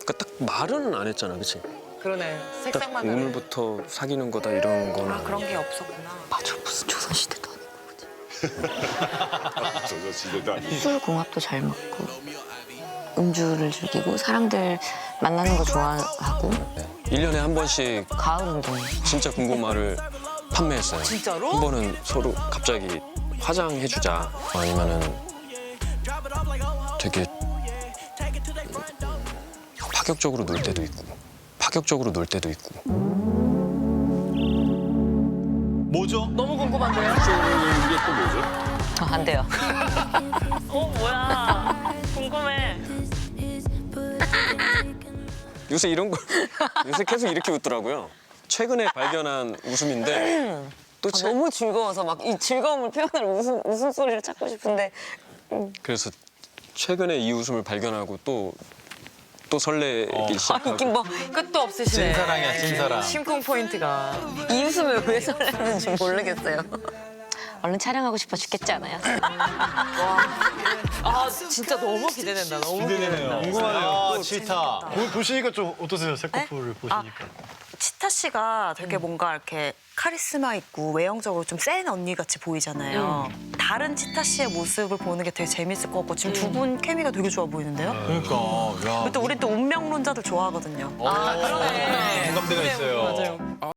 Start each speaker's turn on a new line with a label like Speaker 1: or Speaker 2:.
Speaker 1: 그러니까 딱 말은 안 했잖아, 그치?
Speaker 2: 그러네.
Speaker 1: 딱
Speaker 2: 색상만 다르네.
Speaker 1: 오늘부터 사귀는 거다 이런 거는.
Speaker 2: 아, 그런 게 없었구나.
Speaker 3: 맞아, 무슨 조선시대도 아니고.
Speaker 4: 조선시대도 아니고.
Speaker 3: 술궁합도 잘 맞고 음주를 즐기고 사람들 만나는 거 좋아하고
Speaker 1: 1년에 한 번씩
Speaker 3: 가을 운동.
Speaker 1: 진짜 궁금말을 판매했어요.
Speaker 2: 진짜로?
Speaker 1: 한 번은 서로 갑자기 화장해주자. 아니면은 되게 파격적으로 놀 때도 있고. 파격적으로 놀 때도 있고.
Speaker 5: 뭐죠?
Speaker 2: 너무 궁금한데요?
Speaker 4: 이게 또 뭐죠?
Speaker 3: 안 돼요.
Speaker 2: 뭐야. 궁금해.
Speaker 1: 요새 이런 거 요새 계속 이렇게 웃더라고요. 최근에 발견한 웃음인데 또
Speaker 3: 너무 즐거워서 막 이 즐거움을 표현할 웃음소리를 찾고 싶은데
Speaker 1: 그래서 최근에 이 웃음을 발견하고 또 설레기 시작하고.
Speaker 3: 이게 뭐
Speaker 2: 끝도 없으시네.
Speaker 5: 찐사랑이야, 찐사랑.
Speaker 2: 심쿵 포인트가.
Speaker 3: 이 웃음을 왜 설레는지 모르겠어요. 얼른 촬영하고 싶어 죽겠지 않아요?
Speaker 2: 아, 진짜 너무 기대된다. 너무 기대된다.
Speaker 5: 궁금하네요. 아, 치타.
Speaker 6: 보시니까 좀 어떠세요? 새 커플을 보시니까.
Speaker 7: 치타 씨가 되게 뭔가 이렇게 카리스마 있고 외형적으로 좀 센 언니 같이 보이잖아요. 다른 치타 씨의 모습을 보는 게 되게 재밌을 것 같고 지금 두 분 케미가 되게 좋아 보이는데요.
Speaker 5: 그러니까. 야.
Speaker 7: 또 우리 또 운명론자들 좋아하거든요.
Speaker 2: 아, 그러네.
Speaker 5: 공감대가 있어요.
Speaker 2: 맞아요.